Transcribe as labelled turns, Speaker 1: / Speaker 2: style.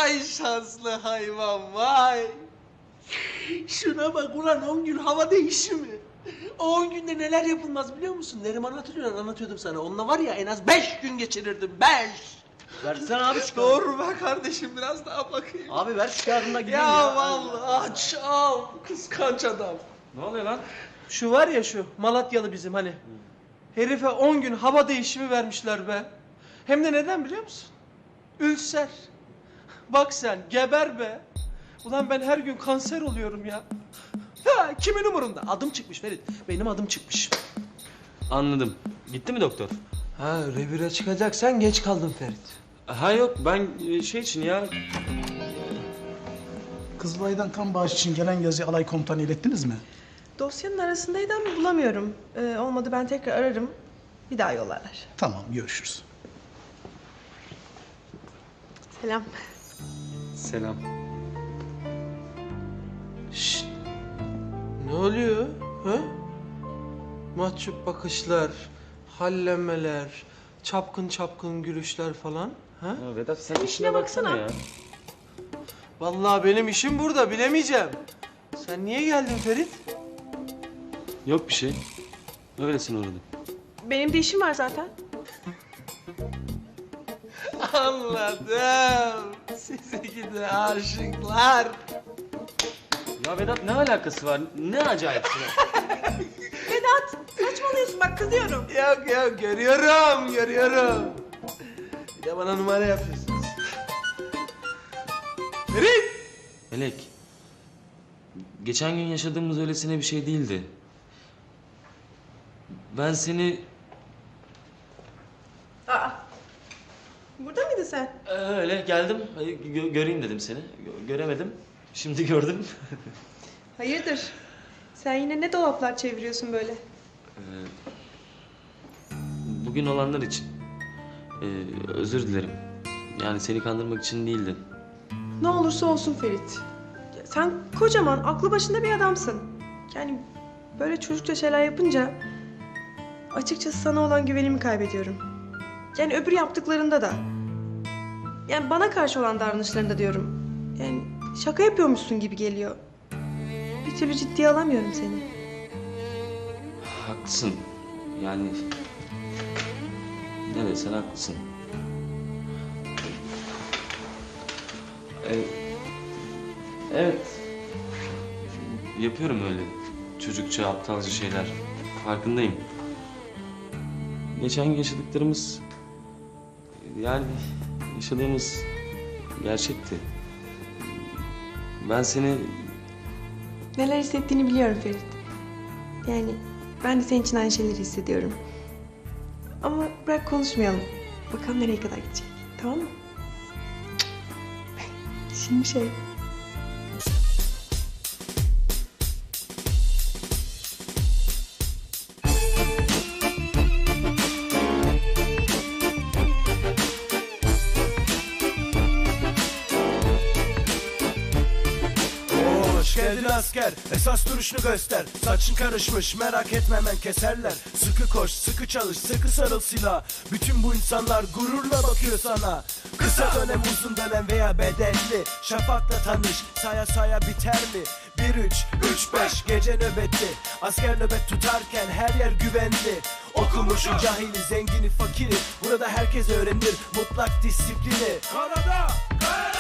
Speaker 1: Vay şanslı hayvan vay. Şuna bak ulan 10 gün hava değişimi. O 10 günde neler yapılmaz biliyor musun? Neriman hatırlıyor, anlatıyordum sana. Onunla var ya en az 5 gün geçirirdim, 5.
Speaker 2: Versene abi şu kağıdı.
Speaker 1: Dur be kardeşim biraz daha bakayım.
Speaker 2: Abi ver şu kağıdını da gideyim
Speaker 1: Ya
Speaker 2: ya.
Speaker 1: vallahi aç al kıskanç adam.
Speaker 2: Ne oluyor lan?
Speaker 1: Şu var ya şu Malatyalı bizim hani. Herife 10 gün hava değişimi vermişler be. Hem de neden biliyor musun? Ülser. Bak sen geber be. Ulan ben her gün kanser oluyorum ya. Ha, kimin umurunda? Adım çıkmış Ferit. Benim adım çıkmış.
Speaker 2: Anladım. Gitti mi doktor?
Speaker 1: Ha revire çıkacaksan geç kaldın Ferit.
Speaker 2: Ha yok ben şey için ya.
Speaker 3: Kızılay'dan kan bağış için gelen yazıyı alay komutanı ilettiniz mi?
Speaker 4: Dosyanın arasındaydı ama bulamıyorum. Olmadı ben tekrar ararım. Bir daha yollarlar.
Speaker 3: Tamam, görüşürüz.
Speaker 4: Selam.
Speaker 2: Selam.
Speaker 1: Şşt. Ne oluyor? Ha? Mahcup bakışlar, hallemeler, çapkın çapkın gülüşler falan. Ha?
Speaker 2: Ya Vedat sen
Speaker 4: işine baksana.
Speaker 2: ya.
Speaker 1: Vallahi benim işim burada, bilemeyeceğim. Sen niye geldin Ferit?
Speaker 2: Yok bir şey. Öylesine uğradım.
Speaker 4: Benim de işim var zaten.
Speaker 1: Anladım. Sizi gidi aşıklar.
Speaker 2: Ya Vedat ne alakası var? Ne acayip şey.
Speaker 4: Vedat saçmalıyorsun bak kızıyorum.
Speaker 1: Yok yok görüyorum. Bir de bana numara yapıyorsunuz. Ferit!
Speaker 2: Melek. Geçen gün yaşadığımız öylesine bir şey değildi. Ben seni
Speaker 4: Aa. Burada mıydın sen?
Speaker 2: öyle geldim. Göreyim dedim seni. Göremedim. Şimdi gördüm.
Speaker 4: Hayırdır? Sen yine ne dolaplar çeviriyorsun böyle?
Speaker 2: Bugün olanlar için. Özür dilerim. Yani seni kandırmak için değildi.
Speaker 4: Ne olursa olsun Ferit. Ya sen kocaman, aklı başında bir adamsın. Yani böyle çocukça şeyler yapınca açıkçası sana olan güvenimi kaybediyorum. Yani öbür yaptıklarında da. Yani bana karşı olan davranışlarında diyorum. Yani şaka yapıyormuşsun gibi geliyor. Bir türlü ciddiye alamıyorum seni.
Speaker 2: Haklısın. Yani ne desen haklısın. Evet. Yapıyorum öyle çocukça, aptalca şeyler. Farkındayım. Geçen gün yaşadıklarımız... Yani yaşadığımız gerçekti. Ben seni...
Speaker 4: Neler hissettiğini biliyorum Ferit. Yani ben de senin için aynı şeyleri hissediyorum. Ama bırak konuşmayalım. Bakalım nereye kadar gidecek. Tamam mı? Şimdi şey...
Speaker 5: Hoş geldin asker, esas duruşunu göster. Saçın karışmış, merak etme hemen keserler. Sıkı koş, sıkı çalış, sıkı sarıl silah. Bütün bu insanlar gururla bakıyor sana. Kısa dönem, uzun dönem veya bedelli. Şafakla tanış, saya saya biter mi? 1-3-3-5 gece nöbeti. Asker nöbet tutarken her yer güvenli. Okumuşu, cahili, zengini, fakiri. Burada herkes öğrenir mutlak disiplini. Karada,